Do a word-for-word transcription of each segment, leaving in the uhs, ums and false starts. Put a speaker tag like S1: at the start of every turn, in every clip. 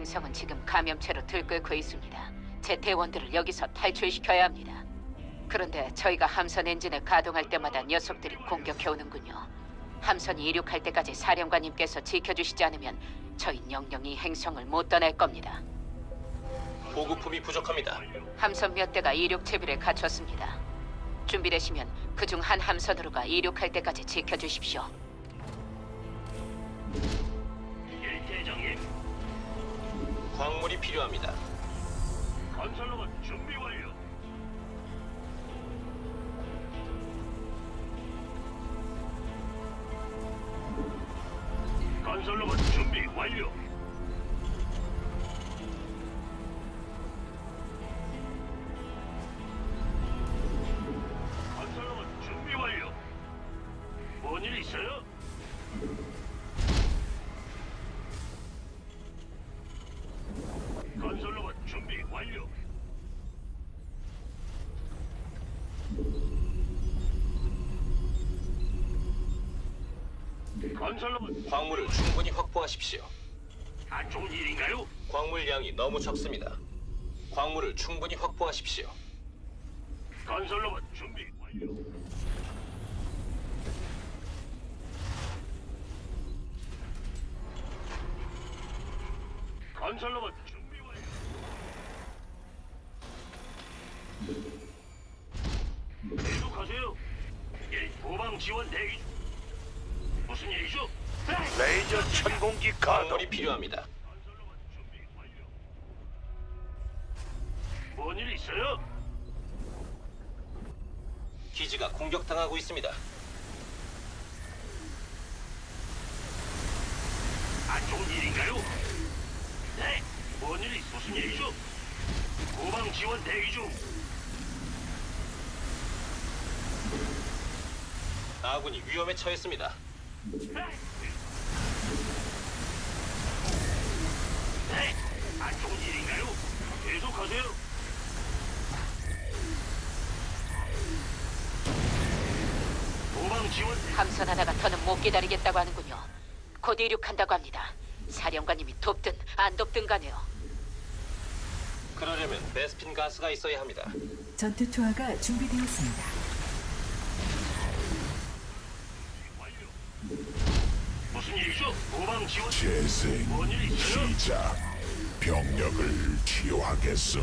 S1: 행성은 지금 감염체로 들끓고 있습니다. 제 대원들을 여기서 탈출시켜야 합니다. 그런데 저희가 함선 엔진을 가동할 때마다 녀석들이 공격해오는군요. 함선이 이륙할 때까지 사령관님께서 지켜주시지 않으면 저희 영영이 이 행성을 못 떠날 겁니다.
S2: 보급품이 부족합니다.
S1: 함선 몇 대가 이륙 채비를 갖췄습니다. 준비되시면 그중 한 함선으로가 이륙할 때까지 지켜주십시오.
S3: 일대장님,
S2: 광물이 필요합니다.
S3: 건설로봇 준비 완료. 건설로봇 준비 완료. 건설로봇 준비 완료. 뭔 일 있어요? 건설로봇 준비 완료. 건설로봇
S2: 광물을 충분히 확보하십시오.
S3: 안 좋은 일인가요?
S2: 광물량이 너무 적습니다. 광물을 충분히 확보하십시오.
S3: 건설로봇 준비 완료. 건설로봇 준비 완료. 계속하세요. 예, 후방 지원 대기 중. 무슨 일이죠?
S4: 레이저 천공기 가동.
S2: 광물이 필요합니다.
S3: 건설로봇 준비 완료. 뭔일 있어요?
S2: 기지가 공격당하고 있습니다.
S3: 안 좋은 일인가요? 네, 뭔 일이 무슨 일이죠? 후방 지원 대기 중.
S2: 아군이 위험에 처했습니다.
S3: 네, 안 좋은 일인가요? 계속하세요. 후방 지원
S1: 함선 하나가 더는 못 기다리겠다고 하는군요. 곧 이륙한다고 합니다. 사령관님이 돕든 안 돕든 가네요.
S2: 그러려면 베스핀 가스가 있어야 합니다.
S5: 전투 투하가 준비되었습니다.
S3: 완료. 무슨 일이죠? 후방 지원.
S6: 재생
S3: 뭔 일 있어요?
S6: 시작. 병력을 치유하겠음.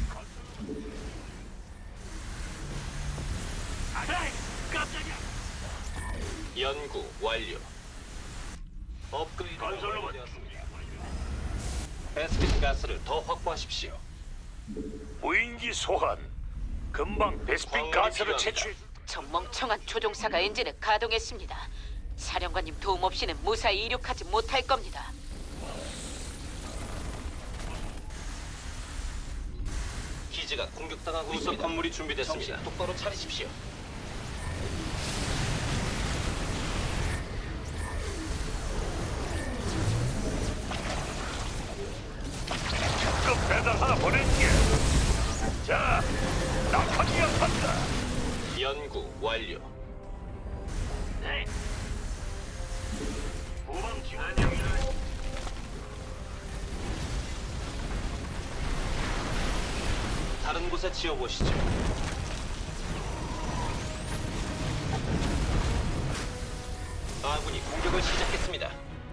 S3: 아, 네, 깜짝이야.
S2: 연구 완료. 업그레이드
S3: 건설로봇
S2: 완료되었습니다. 베스핀 가스를 더 확보하십시오.
S4: 무인기 소환. 금방 베스핀
S2: 광물이
S4: 가스를
S2: 필요합니다.
S4: 채취.
S1: 저 멍청한 조종사가 엔진을 가동했습니다. 사령관님 도움 없이는 무사히 이륙하지 못할 겁니다.
S2: 기지가 공격당하고 있습니다. 건물이 준비됐습니다. 정신 똑바로 차리십시오.
S4: 특급 배달 하나 보낼게. 자, 낙하기가 간다.
S2: 연구 완료.
S3: 네. 후방 지원.
S2: 다른 곳에 지어보시죠. 아군이 공격을 시작했습니다.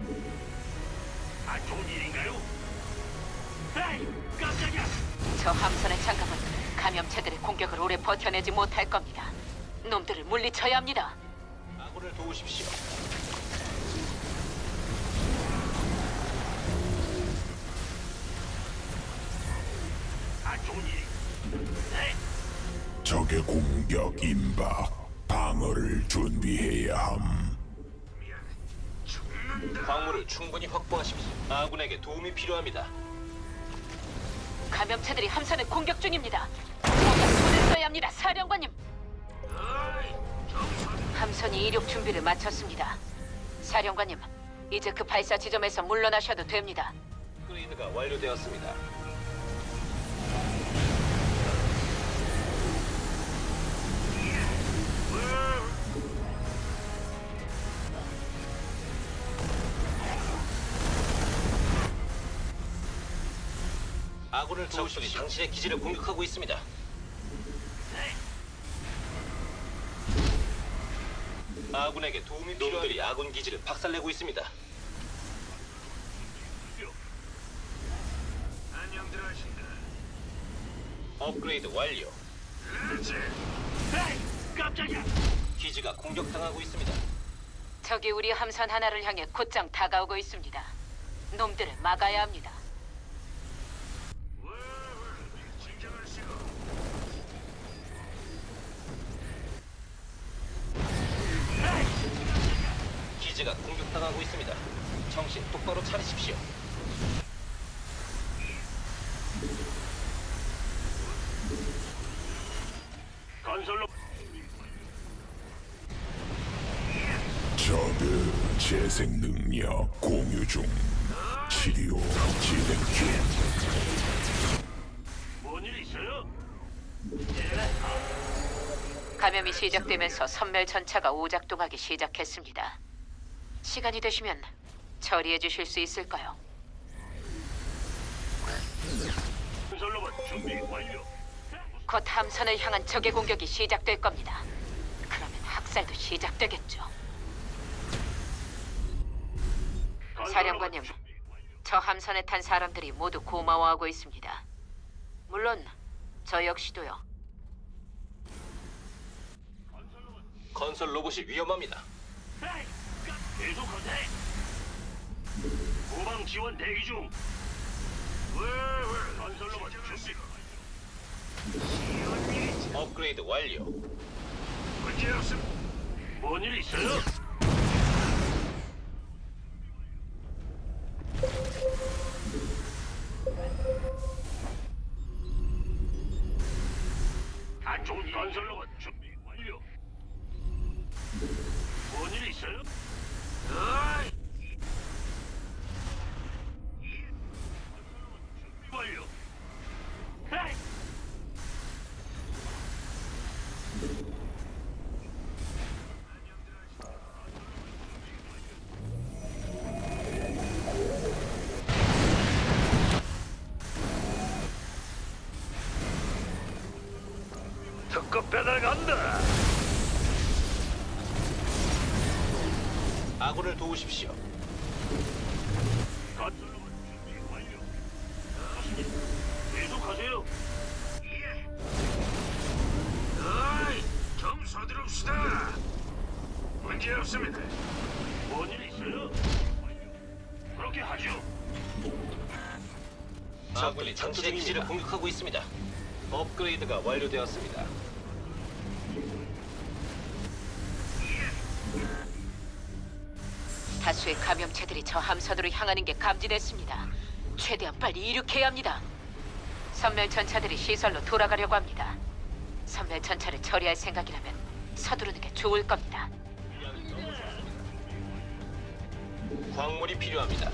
S3: 안 좋은 일인가요? 에이, 깜짝이야.
S1: 저 함선의 장갑은 감염체들의 공격을 오래 버텨내지 못할 겁니다. 놈들을 물리쳐야 합니다.
S2: 아군을 도우십시오.
S3: 안 좋은 일이. 네.
S6: 적의 공격 임박. 방어를 준비해야 함.
S2: 광물을 충분히 확보하십시오. 아군에게 도움이 필요합니다.
S1: 감염체들이 함선을 공격 중입니다. 뭔가 손을 써야 합니다, 사령관님. 함선이 이륙 준비를 마쳤습니다. 사령관님, 이제 그 발사 지점에서 물러나셔도 됩니다.
S2: 업그레이드가 완료되었습니다. 아군을 적들이 당신의 기지를 공격하고 있습니다. 아군에게 도움이 필요한 놈들이 아군 기지를 박살내고 있습니다.
S3: 안녕들 하신다.
S2: 업그레이드 완료.
S3: 그렇지. 에이, 깜짝이야.
S2: 기지가 공격당하고 있습니다.
S1: 적이 우리 함선 하나를 향해 곧장 다가오고 있습니다. 놈들을 막아야 합니다.
S3: 진정하시고.
S2: 기지가 공격당하고 있습니다. 정신 똑바로 차리십시오.
S3: 건설로
S6: 저그 재생 능력 공유 중. 치료 진행 중.
S3: 뭔일 있어요?
S1: 감염이 시작되면서 선멸 전차가 오작동하기 시작했습니다. 시간이 되시면 처리해 주실 수 있을까요?
S3: 건설로봇 준비 완료.
S1: 곧 함선을 향한 적의 공격이 시작될 겁니다. 그러면 학살도 시작되겠죠. 사령관님, 저 함선에 탄 사람들이 모두 고마워하고 있습니다. 물론 저 역시도요.
S2: 건설 로봇이 위험합니다.
S3: 에이, 깜- 계속하세. 후방 지원 대기 중. 건설로봇 준비.
S2: 업그레이드 완료.
S3: 문제 없음. 뭔일 있어요? 안 좋은 일. 건설로봇 준비 완료. 뭔일 있어요? 어이. 준비 완료. 에이.
S4: 특급 배달 간다.
S2: 아군을 도우십시오.
S3: 건설로봇 준비 완료. 계속하세요. 예. 어이, 좀 서두릅시다. 문제 없습니다. 뭔일 있어요? 그렇게 하죠.
S2: 아군이 당신의 기지를 공격하고 있습니다. 업그레이드가 완료되었습니다.
S1: 다수의 감염체들이 저 함선으로 향하는 게 감지됐습니다. 최대한 빨리 이륙해야 합니다. 선멸 전차들이 시설로 돌아가려고 합니다. 선멸 전차를 처리할 생각이라면 서두르는 게 좋을 겁니다.
S2: 광물이 필요합니다.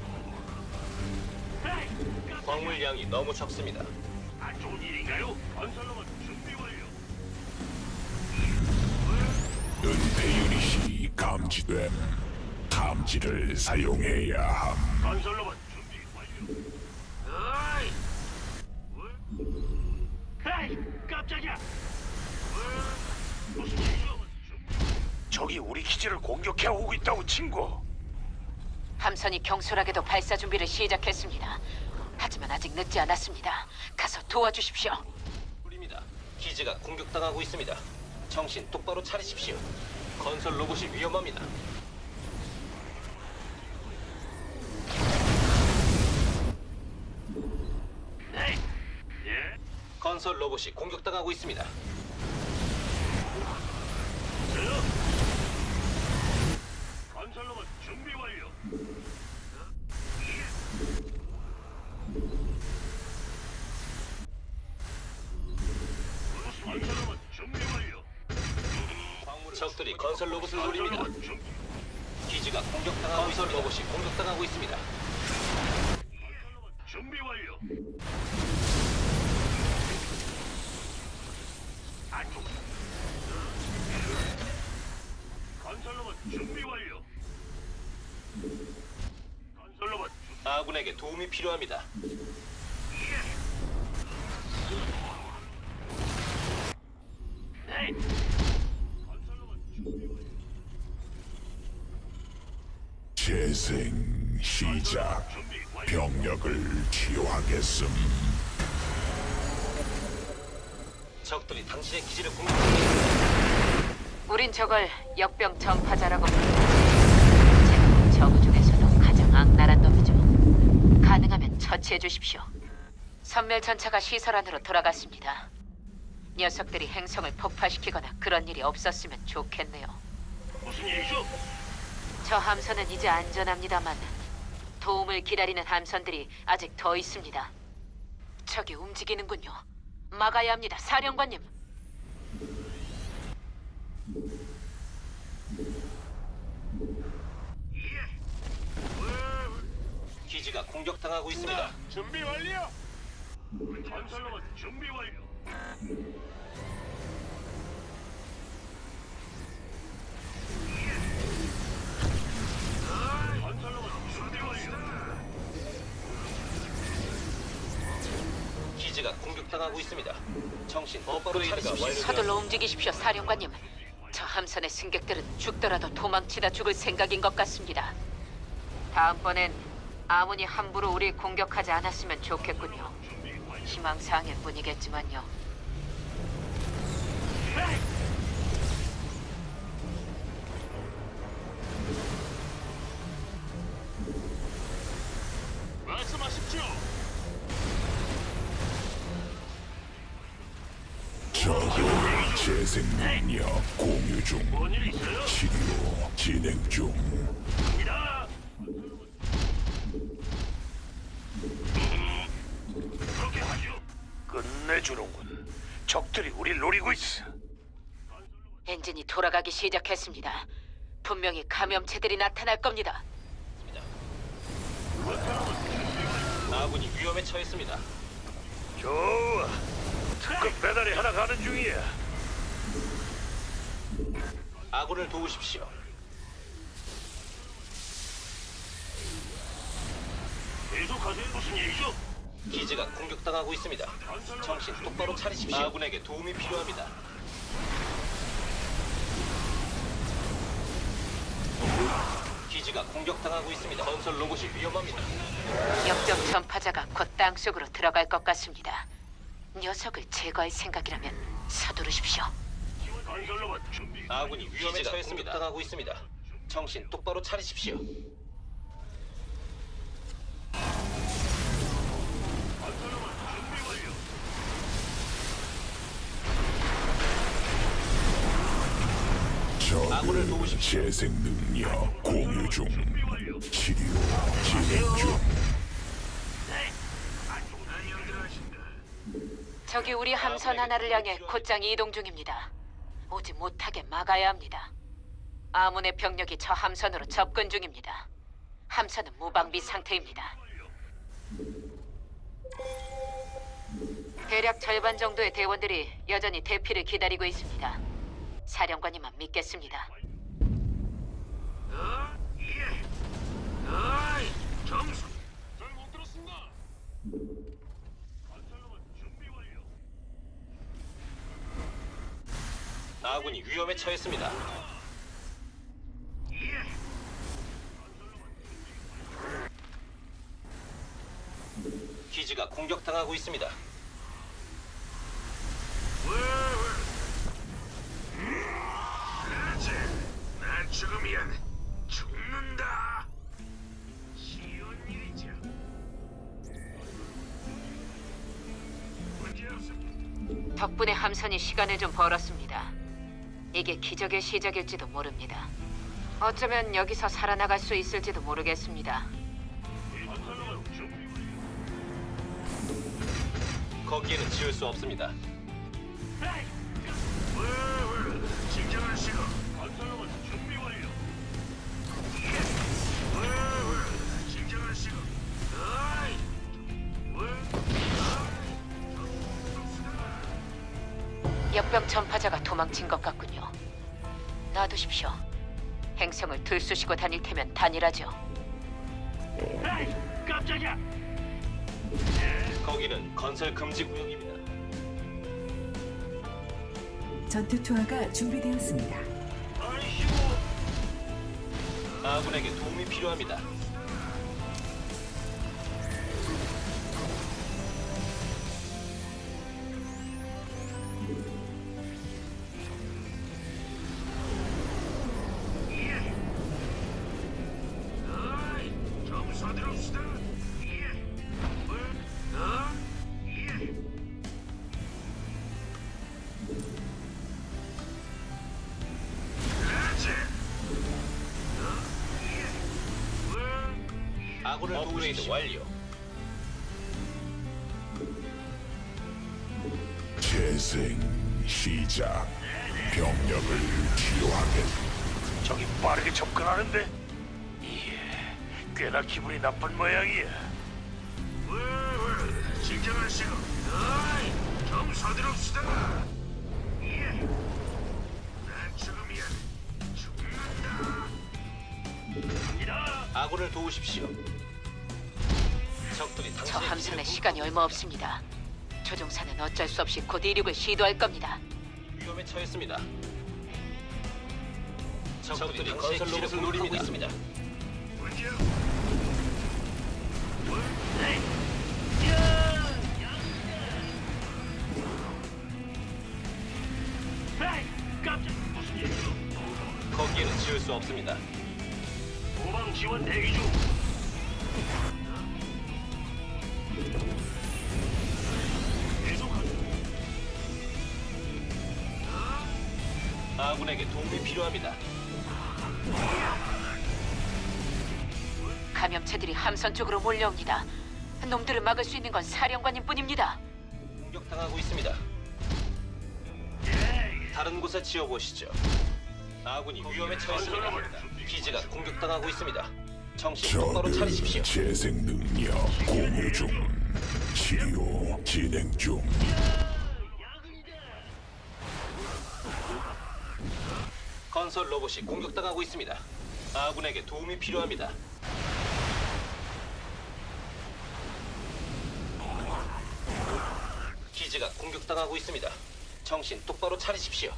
S2: 광물 양이 너무 적습니다.
S3: 안 좋은 일인가요? 건설로봇 준비 완료.
S6: 은폐 유닛이 감지됨. 감지를 사용해야 함.
S3: 건설로봇 준비 완료. 어이. 에이, 깜짝이야. 무슨 일이죠?
S4: 적이 우리 기지를 공격해 오고 있다고 친구.
S1: 함선이 경솔하게도 발사 준비를 시작했습니다. 하지만 아직 늦지 않았습니다. 가서 도와주십시오.
S2: 입니다. 기지가 공격당하고 있습니다. 정신 똑바로 차리십시오. 건설 로봇이 위험합니다.
S3: 네. 예.
S2: 건설 로봇이 공격당하고 있습니다.
S3: 저요. 건설로봇 준비 완료. 건설로봇 준비 완료.
S2: 적들이 건설 로봇을 노립니다.
S3: 건설로봇 준비.
S2: 기지가 공격당하고 건설 로봇이 공격당하고 있습니다.
S3: 건설로봇 준비 완료. 안쪽. 건설로봇 준비 완료. 건설로봇
S2: 아군에게 도움이 필요합니다.
S3: 예. 네.
S6: 재생 시작.
S3: 준비 완료.
S6: 병력을 치유하겠음.
S2: 적들이 당신의 기지를 공격합니다.
S1: 우린 저걸 역병 전파자라고 부르는데 제가 저그 중에서도 가장 악랄한 놈이죠. 가능하면 처치해 주십시오. 선멸 전차가 시설 안으로 돌아갔습니다. 녀석들이 행성을 폭파시키거나 그런 일이 없었으면 좋겠네요.
S3: 무슨 일이죠?
S1: 저 함선은 이제 안전합니다만 도움을 기다리는 함선들이 아직 더 있습니다. 저기 움직이는군요. 막아야 합니다, 사령관님.
S2: 기지가 공격당하고 있습니다.
S3: 준비 완료. 건설로봇 준비 완료. 건설로봇 준비 완료.
S2: 기지가 공격당하고 있습니다. 정신 똑바로 차리십시오.
S1: 서둘러 움직이십시오, 사령관님. 저 함선의 승객들은 죽더라도 도망치다 죽을 생각인 것 같습니다. 다음번엔 아무니 함부로 우리 공격하지 않았으면 좋겠군요. 희망사항일 뿐이겠지만요.
S3: 말씀하십시오.
S6: 적의 재생 능력 공유 중.
S3: 뭔일 있어요?
S6: 치료 진행 중.
S3: 갑니다. 그렇게 하죠.
S4: 끝내주는군. 적들이 우릴 노리고 있어.
S1: 엔진이 돌아가기 시작했습니다. 분명히 감염체들이 나타날 겁니다.
S2: 아군이 위험에 처했습니다.
S4: 좋아. 특급 배달이 하나 가는 중이야.
S2: 아군을 도우십시오.
S3: 계속하세요. 무슨 일이죠?
S2: 기지가 공격당하고 있습니다. 정신 똑바로 차리십시오. 아군에게 도움이 필요합니다. 기지가 공격당하고 있습니다. 건설 로봇이 위험합니다.
S1: 역병 전파자가 곧 땅속으로 들어갈 것 같습니다. 녀석을 제거할 생각이라면 서두르십시오.
S3: 건설로봇 준비.
S2: 아군이 위험에 처했습니다. 공격당하고 있습니다. 정신 똑바로 차리십시오.
S3: 건설로봇 준비 완료.
S2: 아군을
S6: 적의
S2: 도우십시오.
S6: 재생 능력 공유 중.
S3: 준비 완료.
S6: 치료 진행 중.
S3: 네. 안녕 들어가신다.
S1: 저기 우리 함선 하나를 향해 곧장 이동 중입니다. 오지 못하게 막아야 합니다. 아문의 병력이 저 함선으로 접근 중입니다. 함선은 무방비 상태입니다. 대략 절반 정도의 대원들이 여전히 대피를 기다리고 있습니다. 사령관님만 믿겠습니다.
S3: 어? 예. 어이, 점수. 잘못 들었습니다. 건설로봇 준비 완료.
S2: 아군이 위험에 처했습니다.
S3: 예.
S2: 기지가 공격당하고 있습니다.
S3: 그렇지. 난 죽으면 죽는다. 쉬운 일이죠. 문제 없습니다.
S1: 덕분에 함선이 시간을 좀 벌었습니다. 이게 기적의 시작일지도 모릅니다. 어쩌면 여기서 살아나갈 수 있을지도 모르겠습니다.
S3: 건설로봇 준비
S2: 거기에는 지을 수 없습니다.
S3: 완료. 진정하시고. 건설로봇 준비 완료. 예. 진정하시고. 어이.
S1: 역병 전파자가 도망친 것 같군요. 놔두십시오. 행성을 들쑤시고 다닐 테면 단일하죠.
S3: 에이, 깜짝이야.
S2: 거기는 건설 금지 구역입니다.
S5: 전투 투하가 준비되었습니다.
S3: 아이씨고.
S2: 아군에게 도움이 필요합니다.
S3: 어이, 좀 서두릅시다. 예. 뭐? 어? 예. 그렇지. 어? 예. 뭐?
S2: 아군을 업그레이드 완료.
S6: 재생 시작. 병력을 치료하겠.
S4: 저기 빠르게 접근하는데? 예, 꽤나 기분이 나쁜 모양이야.
S3: 뭐? 진정하시고. 어이, 좀 서두릅시다. 예. 난 죽음이야. 죽는다. 갑니다.
S2: 아군을 도우십시오. 적들이
S1: 저
S2: 당신의
S1: 함선에
S2: 기지를
S1: 시간이 얼마 없습니다. 조종사는 어쩔 수 없이 곧 이륙을 시도할 겁니다.
S2: 위험에 처했습니다. 적들이 건설 로봇을 노리고 있습니다.
S3: 뭐죠? 뭐? 네. 야! 에이, 깜짝 무슨 일이죠?
S2: 거기에는 지을 수 없습니다.
S3: 도방 지원 대기 중. 계속하죠.
S2: 아군에게 도움이 필요합니다.
S1: 감염체들이 함선 쪽으로 몰려옵니다. 놈들을 막을 수 있는 건 사령관님뿐입니다.
S2: 공격당하고 있습니다.
S3: 예,
S2: 다른 곳에 지어보시죠. 아군이 위험에 처했습니다. 기지가 공격당하고 있습니다. 정신 똑바로
S6: 적은
S2: 차리십시오.
S6: 재생 능력 공유 중. 치료 진행 중.
S2: 건설 로봇이 공격당하고 있습니다. 아군에게 도움이 필요합니다. 기지가 공격당하고 있습니다. 정신 똑바로 차리십시오.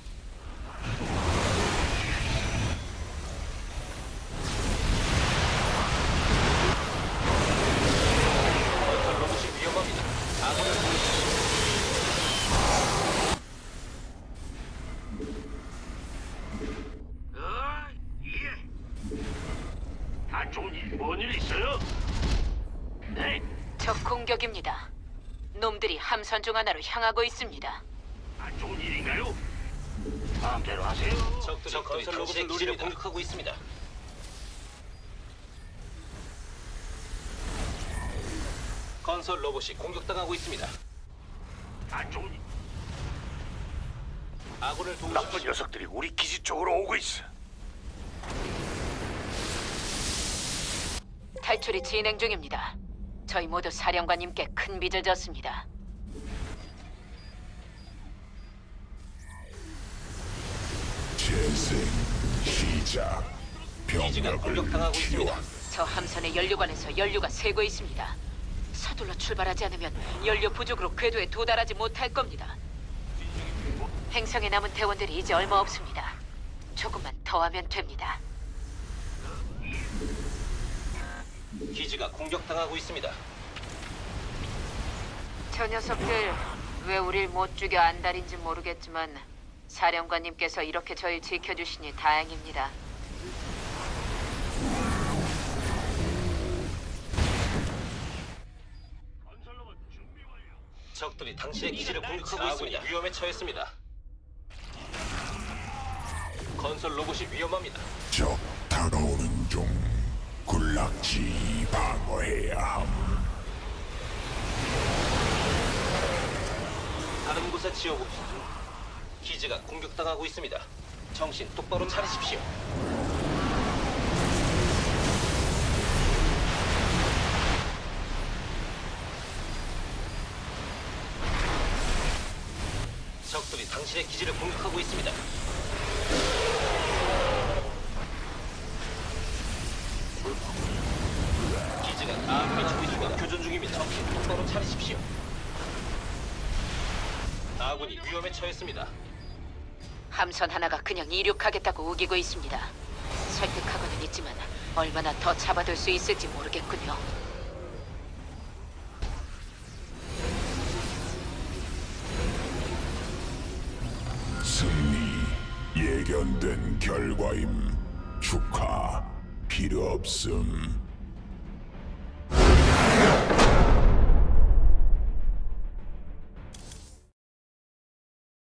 S2: 건설 로봇이 위험합니다. 아군을 도우십시오.
S3: 어, 예. 안 좋은 일, 뭔일 있어요? 네,
S1: 적 공격입니다. 놈들이 함선 중 하나로 향하고 있습니다.
S3: 안 좋은 일인가요? 마음대로 하세요.
S2: 적들이 건설 로봇을 노리려 공격하고 있습니다. 건설 로봇이 공격당하고 있습니다.
S3: 안 좋은 일.
S2: 아군을
S4: 나쁜
S2: 도우십시오.
S4: 녀석들이 우리 기지 쪽으로 오고 있어.
S1: 탈출이 진행 중입니다. 저희 모두 사령관님께 큰 빚을 졌습니다.
S6: 재생 시작.
S2: 기지가
S6: 병력을
S2: 공격당하고 있습니다.
S6: 치료한.
S1: 저 함선의 연료관에서 연료가 새고 있습니다. 서둘러 출발하지 않으면 연료 부족으로 궤도에 도달하지 못할 겁니다. 행성에 남은 대원들이 이제 얼마 없습니다. 조금만 더 하면 됩니다.
S2: 기지가 공격당하고 있습니다.
S1: 저 녀석들 왜 우릴 못 죽여 안달인지 모르겠지만 사령관님께서 이렇게 저희 지켜주시니 다행입니다.
S3: 건설로봇 준비 완료.
S2: 적들이 당신의 기지를 공격하고 있습니다. 위험에 처했습니다. 건설 로봇이 위험합니다.
S6: 적 다가오는 중. 군락지 방어해야 함.
S2: 다른 곳에 지어봅시다. 기지가 공격당하고 있습니다. 정신 똑바로 차리십시오. 적들이 당신의 기지를 공격하고 있습니다. 기지가 아군이 적있과 교전 중입니다. 정신 똑바로 차리십시오. 아군이 위험에 처했습니다.
S1: 함선 하나가 그냥 이륙하겠다고 우기고 있습니다. 설득하고는 있지만 얼마나 더 잡아둘 수 있을지 모르겠군요.
S6: 승리 예견된 결과임. 축하. 필요 없음.